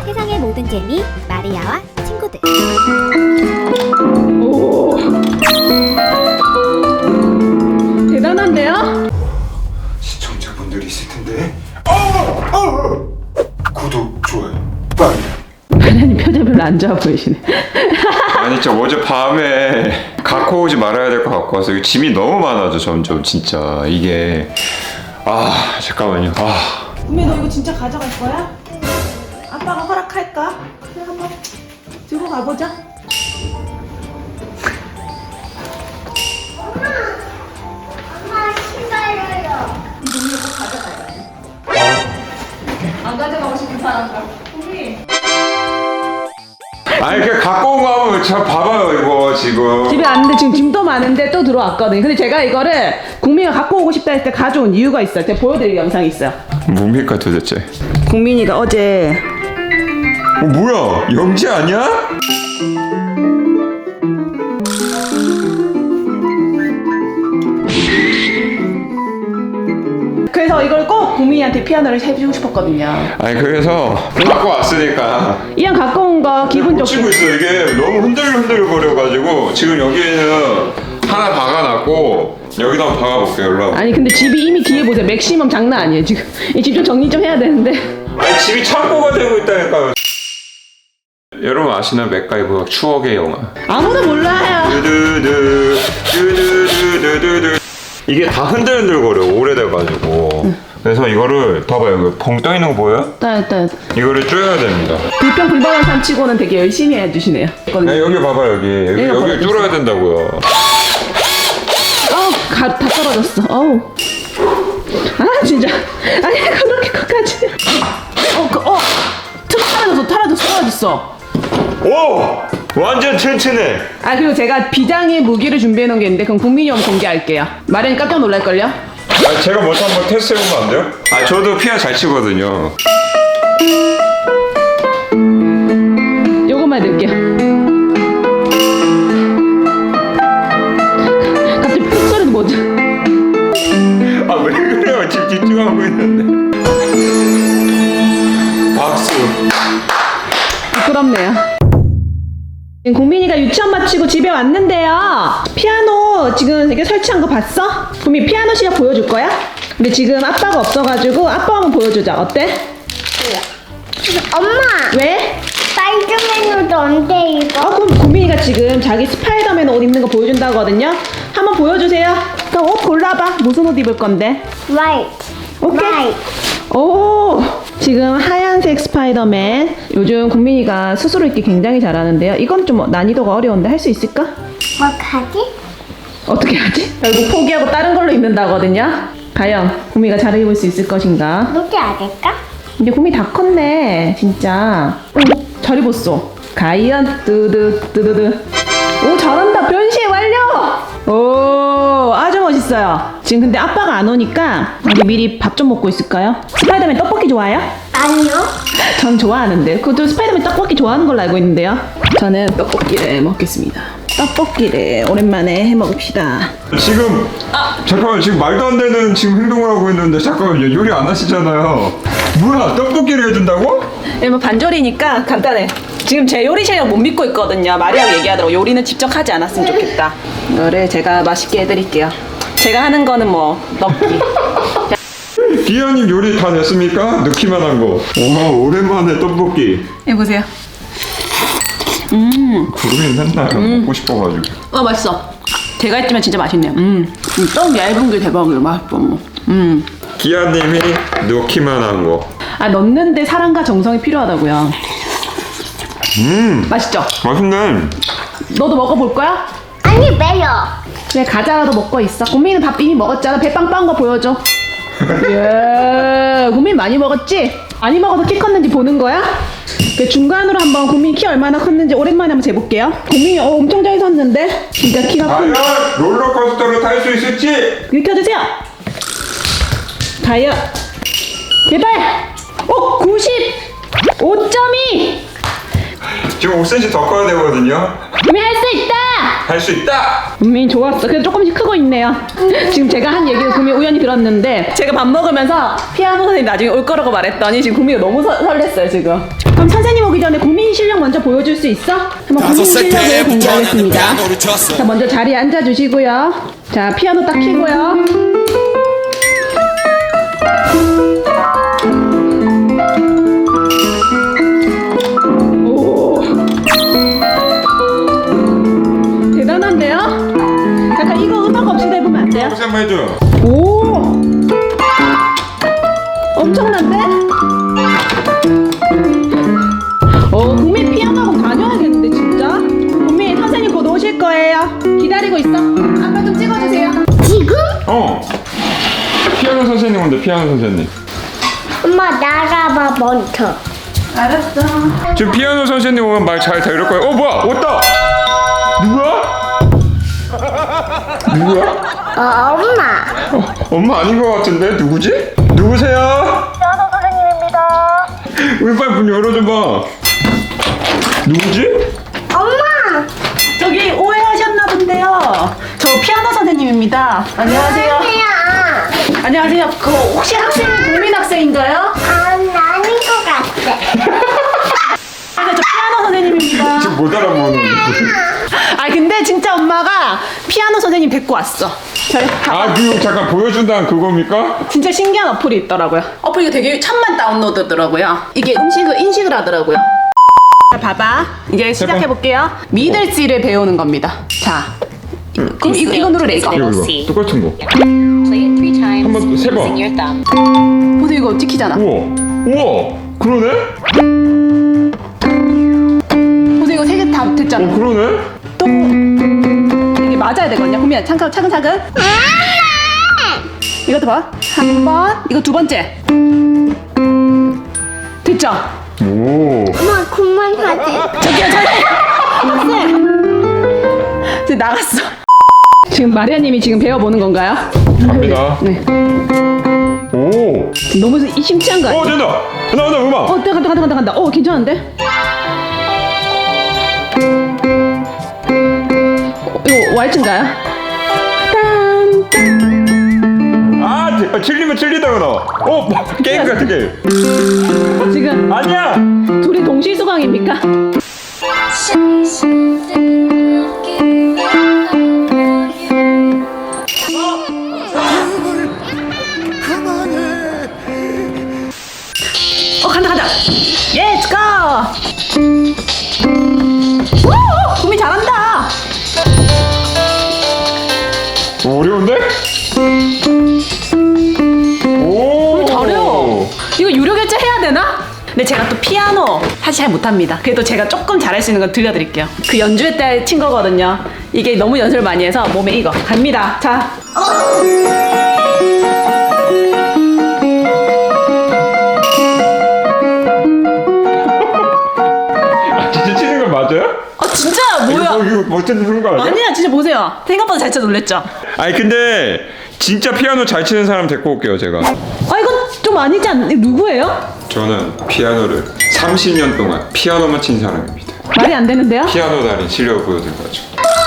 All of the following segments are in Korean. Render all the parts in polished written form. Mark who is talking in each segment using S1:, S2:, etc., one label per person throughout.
S1: 세상의 모든 재미 마리아와 친구들.
S2: 오. 대단한데요?
S3: 시청자분들이 있을 텐데. 구독, 좋아요, 빨리.
S2: 마리아님 표정 별로 안 좋아 보이시네.
S3: 아니 진짜 어젯밤에 갖고 오지 말아야 될 것 같고 와서 짐이 너무 많아져 점점 진짜 이게. 잠깐만요.
S2: 구미 너 이거 진짜 가져갈 거야? 아빠가 허락할까? 그래 한번 들고 가보자.
S1: 엄마 신발려요.
S2: 안 가져가고 싶은 사람들. 구미.
S3: 아니 그냥 갖고 온 거 하면 참 봐봐요 이거 지금.
S2: 집에 왔는데 지금 짐도 많은데 또 들어왔거든요. 근데 제가 이거를 국민이가 갖고 오고 싶다 했을 때 가져온 이유가 있어요. 제가 보여드릴 영상이 있어요.
S3: 뭡니까 도대체?
S2: 국민이가 어제
S3: 뭐야 영지 아니야?
S2: 그래서 이걸 꼭 국민이한테 피아노를 해주고 싶었거든요.
S3: 아니 그래서 갖고 왔으니까
S2: 이왕 갖고 온 거 기분 좋게.
S3: 치고 있어. 이게 너무 흔들흔들 거려가지고 지금 여기에는 하나 박아놨고 여기다 한번 박아볼게요. 일로 와봐.
S2: 아니 근데 집이 이미 뒤에 보세요. 맥시멈 장난 아니에요 지금. 이 집 좀 정리 좀 해야 되는데.
S3: 아니 집이 창고가 되고 있다니까요. 여러분 아시나요? 맥가이버 추억의 영화.
S2: 아무도 몰라요.
S3: 두두두 두두두두두. 이게 다 흔들흔들거려 오래돼가지고. 그래서 이거를 봐봐요. 이거 벙 떠있는 거 보여요?
S2: 일단
S3: 이거를 쪼여야 됩니다.
S2: 불평불만한 삼치고는 되게 열심히 해주시네요.
S3: 야, 여기 봐봐 여기 여기 뚫어야 된다고요.
S2: 다 떨어졌어. 어우. 아 진짜. 아니 그렇게 끝까지. 툭 떨어졌어.
S3: 오! 완전 튼튼해.
S2: 아 그리고 제가 비장의 무기를 준비해 놓은 게 있는데 그럼 국민이 형 공개할게요. 마련이 깜짝 놀랄걸요?
S3: 제가 먼저 한번 테스트 해보면 안 돼요? 저도 피아 잘 치거든요.
S2: 요것만 넣을게요. 갑자기 푹 소리도 뭐죠?
S3: 왜 그래요? 지금 집중하고 있는데. 박수.
S2: 부끄럽네요. 지금 국민이가 유치원 마치고 집에 왔는데요. 피아노 지금 이게 설치한 거 봤어? 국민 피아노 시작 보여줄 거야? 근데 지금 아빠가 없어가지고 아빠 한번 보여주자. 어때?
S1: 엄마
S2: 왜?
S1: 스파이더맨 옷 언제 입어?
S2: 그럼 국민이가 지금 자기 스파이더맨 옷 입는 거 보여준다거든요. 한번 보여주세요. 그럼 옷 골라봐. 무슨 옷 입을 건데?
S1: White.
S2: 오케이.
S1: White.
S2: 오, 지금 하얀색 스파이더맨. 요즘 국민이가 스스로 입기 굉장히 잘하는데요. 이건 좀 난이도가 어려운데 할 수 있을까?
S1: 뭐 가지?
S2: 어떻게 하지? 결국 포기하고 다른 걸로 입는다거든요. 과연 국민이가 잘 입을 수 있을 것인가?
S1: 누구 아닐까?
S2: 이제 국민이 다 컸네 진짜. 잘 입었어. 과연 뜨드뜨드드. 오 잘한다. 변신 완료. 오 아주 멋있어요. 지금 근데 아빠가 안 오니까 우리 미리 밥 좀 먹고 있을까요? 스파이더맨 떡볶이 좋아해요?
S1: 아니요.
S2: 전 좋아하는데 그것도 스파이더맨 떡볶이 좋아하는 걸로 알고 있는데요. 저는 떡볶이를 먹겠습니다. 떡볶이를 오랜만에 해 먹읍시다.
S3: 지금 잠깐만 지금 말도 안 되는 지금 행동을 하고 있는데 잠깐만요. 요리 안 하시잖아요. 뭐야 떡볶이를 해준다고?
S2: 뭐 반절이니까 간단해. 지금 제 요리 실력 못 믿고 있거든요. 마리아가 얘기하더라고. 요리는 직접 하지 않았으면 좋겠다. 이거를 제가 맛있게 해드릴게요. 제가 하는 거는 뭐 넣기.
S3: 기아님 요리 다 됐습니까? 넣기만 한 거. 와 오랜만에 떡볶이.
S2: 해보세요.
S3: 구름이 맨날 먹고 싶어가지고.
S2: 맛있어. 제가 했지만 진짜 맛있네요. 떡 얇은 게 대박이에요. 맛있어.
S3: 기아님이 넣기만 한 거.
S2: 넣는데 사랑과 정성이 필요하다고요. 맛있죠?
S3: 맛있네.
S2: 너도 먹어볼 거야?
S1: 아니 매요.
S2: 그래 가자라도 먹고 있어. 국민은 밥 이미 먹었잖아. 배 빵빵한 거 보여줘. 예, 국민 많이 먹었지? 많이 먹어서 키 컸는지 보는 거야? 그 중간으로 한번 국민 키 얼마나 컸는지 오랜만에 한번 재볼게요. 국민이 엄청 잘 섰는데 진짜 키가 큰.
S3: 과연 롤러코스터를 탈 수 있을지?
S2: 일켜주세요. 과연 제발. 95.2.
S3: 지금 5cm 더 커야 되거든요.
S2: 국민 할 수 있다.
S3: 할 수 있다.
S2: 국민 좋았어. 그래도 조금씩 크고 있네요. 지금 제가 한 얘기를 국민 우연히 들었는데 제가 밥 먹으면서 피아노 선생님 나중에 올 거라고 말했더니 지금 국민이 너무 설렜어요 지금. 그럼 선생님 오기 전에 국민 실력 먼저 보여줄 수 있어? 한번 국민 실력을 공개하겠습니다. 자, 먼저 자리에 앉아주시고요. 자, 피아노 딱 켜고요. 오, 대단한데요? 잠깐 이거 음악 없이 해보면 안 돼요?
S3: 혹시 한번 해줘.
S2: 오, 엄청난데? 국민 피아노학원 다녀야겠는데 진짜? 국민 선생님 곧 오실 거예요. 기다리고 있어. 아빠 좀 찍어주세요.
S1: 지금?
S3: 피아노 선생님 온대, 피아노 선생님.
S1: 엄마 나가봐 먼저.
S2: 알았어.
S3: 지금 피아노 선생님 오면 말 잘 들을 거예요. 뭐야? 왔다! 누구야?
S1: 엄마.
S3: 엄마 아닌 것 같은데? 누구지? 누구세요?
S1: 피아노 선생님입니다.
S3: 우리 빨리 문 열어줘봐. 누구지?
S1: 엄마.
S2: 저기 오해하셨나 본데요. 저 피아노 선생님입니다. 안녕하세요. 안녕하세요. 그 혹시 학생 국민 학생인가요?
S1: 아닌 것 같아.
S2: 저 피아노 선생님입니다.
S3: 지금 못 알아보는
S2: 아 근데 진짜 엄마가 피아노 선생님 데리고 왔어. 저희
S3: 아, 그거 잠깐 보여준다는 그겁니까?
S2: 진짜 신기한 어플이 있더라고요. 어플이 되게 천만 다운로드더라고요. 이게 인식을 하더라고요. 자, 봐봐. 이제 시작해 볼게요. 미들씨를 배우는 겁니다. 자, 그럼 이거 누르래 이거.
S3: 이거 똑같은 거.
S4: Play it 3 times
S3: 한번 세 번.
S4: using your thumb.
S2: 보세요 이거 찍히잖아.
S3: 우와, 그러네?
S2: 보세요 이거 3개 다 됐잖아.
S3: 그러네?
S2: 또 이게 맞아야 되거든요. 그러면 차근차근. 이것도 봐. 한 번. 이거 두 번째. 됐죠?
S3: 오.
S1: 엄마 그만하지.
S2: 저기요 학생. 이제 나갔어. 지금 마리아님이 지금 배워보는 건가요?
S3: 갑니다.
S2: 네.
S3: 오.
S2: 너무 심취한 거 아니야?
S3: 된다. 나온다, 음악.
S2: 간다. 괜찮은데? 이거 왈츠인가요?
S3: 틀리면 틀리다고 나. 게임 같은 게임.
S2: 지금
S3: 아니야.
S2: 둘이 동시수강입니까? 간다. Let's go. 오, 구미 잘한다.
S3: 어려운데? 오.
S2: 어려워. 이거 유료 결제 해야 되나? 근데 제가 또 피아노 사실 잘 못합니다. 그래도 제가 조금 잘할 수 있는 건 들려드릴게요. 그 연주회 때 친 거거든요. 이게 너무 연습을 많이 해서 몸에 이거 갑니다. 자.
S3: 진짜 치는 거 맞아요?
S2: 아 진짜 뭐야?
S3: 이거 멋진 치는 거 아니야?
S2: 아니야 진짜 보세요. 생각보다 잘 쳐 놀랬죠?
S3: 아니 근데 진짜 피아노 잘 치는 사람 데리고 올게요 제가.
S2: 아 이건 좀 아니지 않니? 누구예요?
S3: 저는 피아노를 30년 동안 피아노만 친 사람입니다.
S2: 말이 안 되는데요?
S3: 피아노 달인 실력을 보여드린 거죠.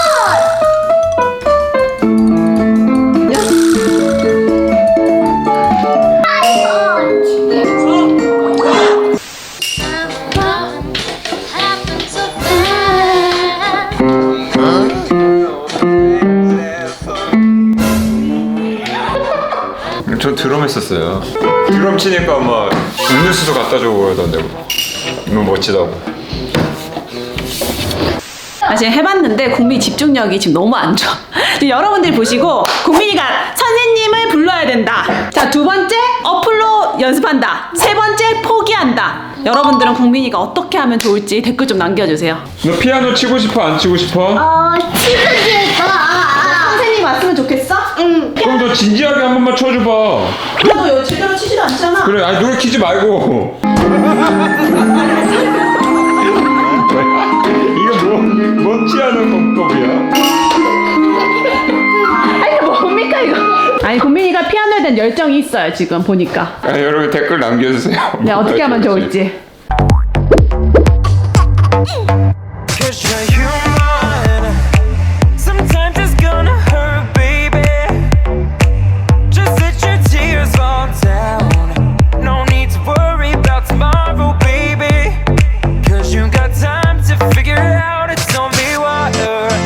S3: 저 드럼 했었어요. 드럼 치니까 아마 음료수도 갖다 주고 그러던데 너무 멋지다고.
S2: 사실 해봤는데 국민 집중력이 지금 너무 안 좋아. 여러분들 보시고 국민이가 선생님을 불러야 된다. 자, 두 번째 어플로 연습한다. 세 번째 포기한다. 여러분들은 국민이가 어떻게 하면 좋을지 댓글 좀 남겨주세요.
S3: 너 피아노 치고 싶어 안 치고 싶어?
S1: 치즈가.
S2: 선생님 왔으면 좋겠어?
S1: 응.
S3: 그럼 너 진지하게 한 번만 쳐줘봐.
S2: 그래도 제대로 치지도 않잖아.
S3: 그래, 아니 노래 키지 말고. 이거 뭔 치하는 방법이야?
S2: 아니 뭡니까 이거? 아니 국민이가 피아노에 대한 열정이 있어요 지금 보니까.
S3: 여러분 댓글 남겨주세요.
S2: 네 어떻게 하면 좋을지.